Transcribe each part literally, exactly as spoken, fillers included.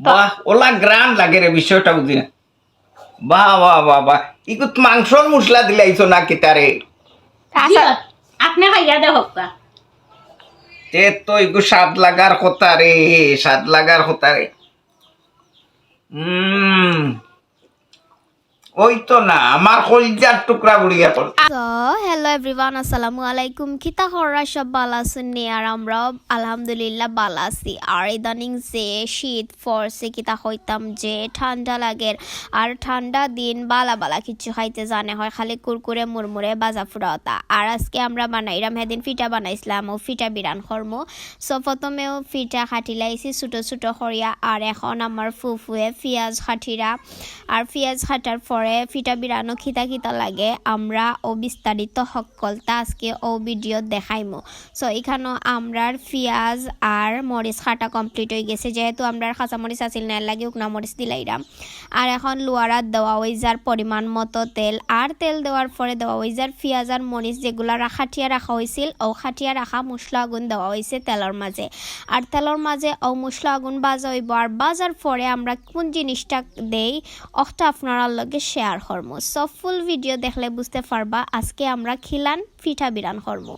বাহ ওলা গ্রান লাগে রে বিষয়টা বুঝি না বাহ বাহ বাহ বাহ ইকুত মাংসর মশলা দিলাইছো না কেটারে আপনি খাইয়া দে হক্কা তে তো ইকু স্বাদ লাগার কথা রে স্বাদ লাগার কথা রে হুম ওই তো না আমার কলজার টুকরা গুড়িয়া পড় সো হ্যালো এভরিওয়ান আসসালামু আলাইকুম কিতা হররা সব ভালো আছেন নি আর আমরা আলহামদুলিল্লাহ ভালো আছি আর ইদানিং যে শীত পড়ছে কিতা হইতাম যে ঠান্ডা লাগের আর ঠান্ডা দিন বালা বালা কিছু খাইতে জানে হয় খালি কুরকুরে মুরমুরে বাজা ফুরাওতা আর আজকে আমরা বানাইলাম হেদিন ফিটা বানাইছিলাম ও ফিটা বিরান খরমু সো প্রথমেও ফিটা খাটিলাইছি ছোটো ছোটো খরিয়া আর এখন আমার ফুফুয়ে পিঁয়াজ খাটিরা আর পিঁয়াজ খাটার পরে ফিটা বিরানো খিতা খিতা লাগে আমরা ও বিস্তারিত সকলটা আজকে ও ভিডিও দেখাইমু সো এখানে আমরার পিঁয়াজ আর মরিচ খাটা কমপ্লিট হয়ে গেছে যেহেতু আমরার কাঁচা মরিচ আসিল না লাগে উকনা মরিচ দিলাইরাম আর এখন লোয়ারাত দেওয়া হয়ে যার পরিমাণ মতো তেল আর তেল দেওয়ার পরে দেওয়া হয়ে যার পিঁয়াজ আর মরিচ যেগুলো খাটিয়া রাখা হয়েছিল ও খাটিয়া রাখা মশলা আগুন দেওয়া হয়েছে তেলের মাঝে আর তেলের মাঝে ও মশলা আগুন বাজা হইব আর বাজার পরে আমরা কোন জিনিসটা দেই অটা আপনারা লগে শেয়ার করবো সব ফুল ভিডিও দেখলে বুঝতে পারবা আজকে আমরা খিলান পিঠা বিরান করবো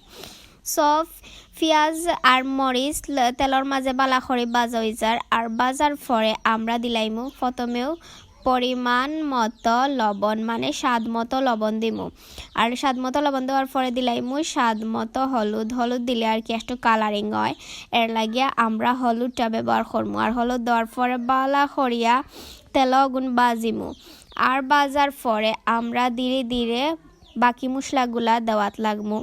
সব পিঁয়াজ আর মরিচ তেলের মাঝে বালা করে বাজা হয়ে যার আর বাজার পরে আমরা দিলাইমু প্রথমেও পরিমাণ মতো লবণ মানে স্বাদ মতো লবণ দিমু আর স্বাদ মতো লবণ দেওয়ার পরে দিলাইমু স্বাদ মতো হলুদ হলুদ দিলে আর কি একটু কালারিং হয় এর লাগিয়া আমরা হলুদটা ব্যবহার করবো আর হলুদ দেওয়ার পরে বালা করিয়া তেল আগুন বাজিমু আর বাজার পরে আমরা ধীরে ধীরে বাকি মশলাগুলা দেওয়াত লাগমু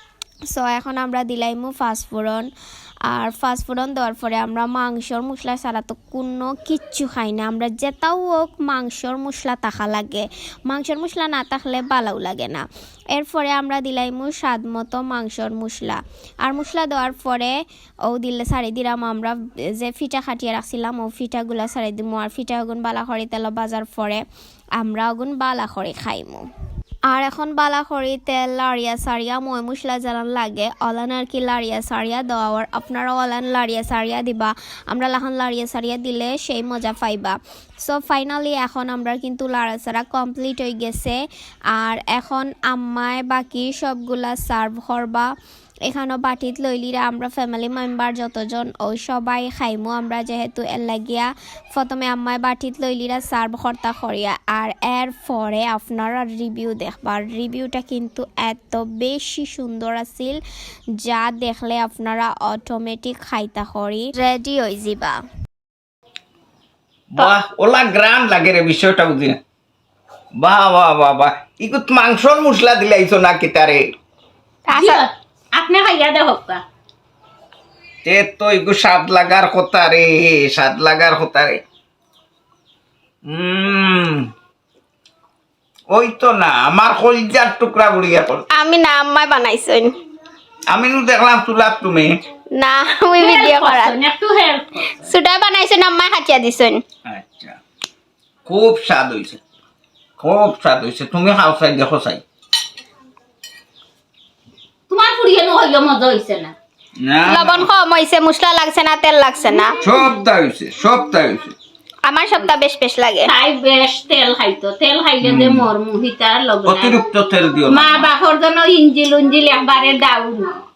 সো এখন আমরা দিলাইমু ফাস্টফোড়ন আর ফাস্টফোড়ন দেওয়ার পরে আমরা মাংসর মশলা ছাড়া তো কোনো কিচ্ছু খাই না আমরা যেটাও হোক মাংসর মশলা থাকা লাগে মাংসর মশলা না থাকলে ভালোও লাগে না এরপরে আমরা দিলাইমু স্বাদ মতো মাংসর মশলা আর মশলা দেওয়ার পরে ও দিলে সারি দিলাম আমরা যে ফিটা খাটিয়ে রাখছিলাম ও ফিটাগুলা সারি দিমু আর ফিটা আগুন বালা করে তেল বাজার পরে আমরা আগুন বালা করে খাইমু আর এখন বালা করি তেল লাড়িয়া সারিয়া মই মশলা জ্বালান লাগে অলান আর কি লাড়িয়া সারিয়া দেওয়ার আপনারা অলান লাড়িয়া সারিয়া দিবা আমরা লাহান লাড়িয়া সারিয়া দিলে সেই মজা পাইবা সো ফাইনালি এখন আমরা কিন্তু লাড়া সারা কমপ্লিট হয়ে গেছে আর এখন আম্মায় বাকি সবগুলা সার্ভ করবা এখানেও বাটিত লইলিরা আমরা ফ্যামিলি মেম্বার যতজন ওই সবাই খাইমু আমরা যেহেতু এর লাগিয়া প্রথমে আম্মায় বাটিত লইলিরা সার্ভ কর্তা করিয়া আর এর পরে আপনারা রিভিউ দেখবার রিভিউটা কিন্তু এত বেশি সুন্দর আছিল যা দেখলে আপনারা অটোমেটিক খাইতা করি রেডি হয়ে যাবা বাহ ওলা গ্রান লাগে রে বিষয়টা বুঝি না বাহ বাহ বাহ বাহ ইকুত মাংসর মশলা দিলাইছো না কেটারে আপনি খাইয়া দে হক্কা তে তো ইকু স্বাদ লাগার কথা রে স্বাদ লাগার কথা রে হুম ওই তো না আমার কলজার টুকরা গুড়িয়া পড় আমি না আম্মাই বানাইছেন আমি নু দেখলাম তুলাপ তুমি না আমি ভিডিও করা একটু হেল্প সুডা বানাইছেন আম্মাই খাটিয়া দিছেন আচ্ছা খুব স্বাদ হয়েছে খুব স্বাদ হয়েছে তুমি খাও চাই দেখো চাই তোমার পুরিয়ে নহইলে মজা হইছে না না লবণ কম হইছে মশলা লাগছে না তেল লাগছে না সবটা হয়েছে সবটা হয়েছে আমার সবটা বেশ বেশ লাগে তাই বেশ তেল খাইতো তেল খাইলে যে মর মুহিতার লগে অতিরিক্ত তেল দিও না মা বাপর জন্য ইঞ্জিল উঞ্জিল একবারে ডাউন